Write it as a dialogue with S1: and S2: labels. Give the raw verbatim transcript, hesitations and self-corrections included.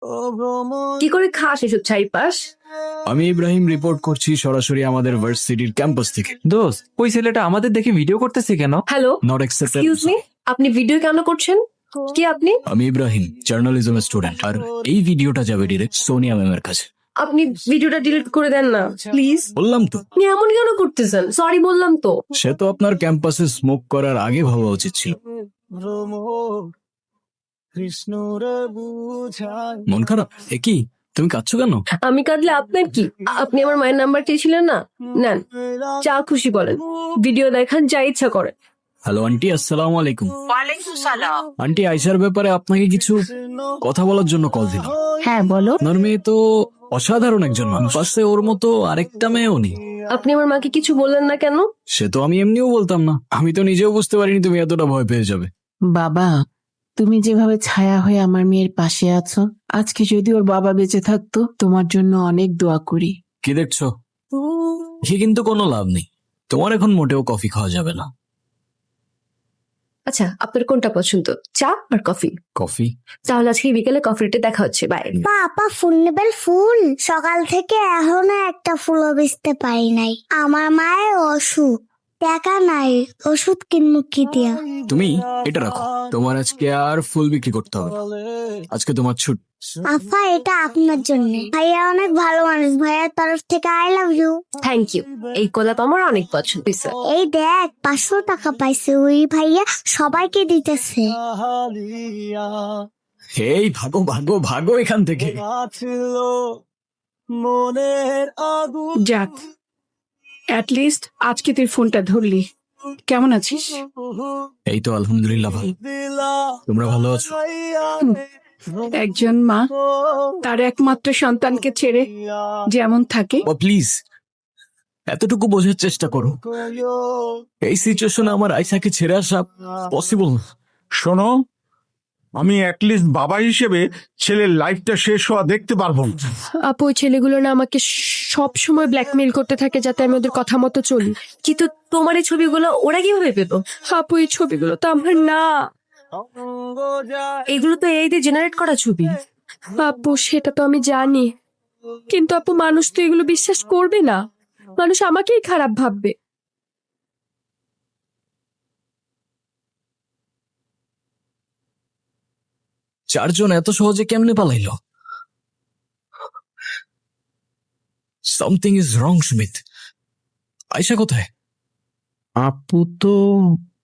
S1: কি করে খাস এসব চাইপাস?
S2: আমি ইব্রাহিম রিপোর্ট করছি সরাসরি আমাদের ভার্সিটির ক্যাম্পাস থেকে।
S3: দোস্ত ওই ছেলেটা আমাদের দেখে ভিডিও করতেছে কেন?
S1: Hello,
S2: not accepted.
S1: Excuse me, আপনি ভিডিও কেন করছেন? কি আপনি?
S2: আমি ইব্রাহিম, জার্নালিজম স্টুডেন্ট, আর এই ভিডিওটা যাবে ডিরেক্ট সোনিয়া ম্যামের কাছে।
S1: আপনি ভিডিওটা ডিলিট করে দেন না প্লিজ।
S2: বললাম তো,
S1: আপনি এমন কেন করতেছেন? সরি বললাম তো।
S2: সে তো আপনার ক্যাম্পাসে স্মোক করার আগে ভাবা উচিত ছিল। মন খারাপ? এ কি, তুমি কাঁদছো কেন?
S1: আমি কাঁদলে আপনার কি? আপনি আমার মায়ের নাম্বার চেয়েছিলেন না, নেন, যা খুশি বলেন, ভিডিও দেখান, যা ইচ্ছা করে।
S2: হ্যালো আন্টি, আসসালামু আলাইকুম।
S4: ওয়ালাইকুম সালাম।
S2: আন্টি, আয়শার ব্যাপারে আপনাকে কিছু কথা বলার জন্য কল দিলাম।
S4: হ্যাঁ বলো।
S2: আপনার মেয়ে তো অসাধারণ একজন মানুষ, পাশে ওর মতো আরেকটা মেয়েও নেই।
S1: আপনি আমার মাকে কিছু বললেন না কেন?
S2: সে তো আমি এমনিও বলতাম না, আমি তো নিজেও বুঝতে পারিনি তুমি এতটা ভয় পেয়ে যাবে।
S4: বাবা, তুমি যেভাবে ছায়া হয়ে আমার মেয়ের পাশে আছো, আজকে যদি ওর বাবা বেঁচে থাকতো, তোমার জন্য অনেক দোয়া করি।
S2: কি দেখছো? সে কিন্তু কোনো লাভ নেই, তোমার এখন মোটেও কফি খাওয়া যাবে না।
S1: আচ্ছা, আপনার কোনটা পছন্দ, চা আর কফি?
S2: কফি?
S1: তাহলে আজকে বিকেলে কফিতে দেখা হচ্ছে, বাই।
S5: পাপা ফুল নেবেন? ফুল সকাল থেকে এখনো একটা ফুলও বেচতে পারি নাই। আমার মায়ের অসুখ, টাকা নাই, ওষুধ কিনবো কি দিয়া?
S2: তুমি এটা রাখো, তোমার আজকে আর ফুল বিক্রি করতে হবে না। আজকে তোমার ছুট।
S5: আফা, এটা আপনার জন্য। ভাইয়া অনেক ভালো মানুষ, ভাইয়ার তরফ থেকে I love you.
S1: Thank you, এই গোলাপ আমার অনেক পছন্দ হয়েছে।
S5: এই দেখ, পাঁচশো টাকা পাইছে ওই ভাইয়া, সবাইকে দিতেছে।
S2: এই ভাগো ভাগো ভাগো এখান থেকে।
S6: যাক, অ্যাটলিস্ট আজকে তুই ফোনটা ধরলি। কেমন আছিস?
S2: এই তো আলহামদুলিল্লাহ ভালো। তোমরা ভালো আছো?
S6: একজন মা তার একমাত্র সন্তানকে ছেড়ে যেমন থাকে,
S2: ও প্লিজ, এতটুকু বোঝার চেষ্টা করো। এই সিচুয়েশনে আমার আয়শাকে ছেড়ে আসা পসিবল না।
S7: শোনো, আমি অ্যাটলিস্ট বাবা হিসেবে ছেলের লাইফটা শেষ হওয়া দেখতে পারবো না।
S1: আপু, ওই ছেলেগুলো না আমাকে সব সময় ব্ল্যাকমেইল করতে থাকে যাতে আমি ওদের কথা মতো চলি। কিন্তু তোমার এই ছবিগুলো ওরা কিভাবে পেত? আপু, এই ছবিগুলো তো আমার না, এগুলো তো এই দিয়ে জেনারেট করা ছবি। আপু, সেটা তো আমি জানি, কিন্তু আপু মানুষ তো এগুলো বিশ্বাস করবে না, মানুষ আমাকেই খারাপ ভাববে।
S2: চারজন এত সহজে কেমনে পালাইলো? Something is wrong Sumit. Ayesha কোথায়?
S7: আপু তো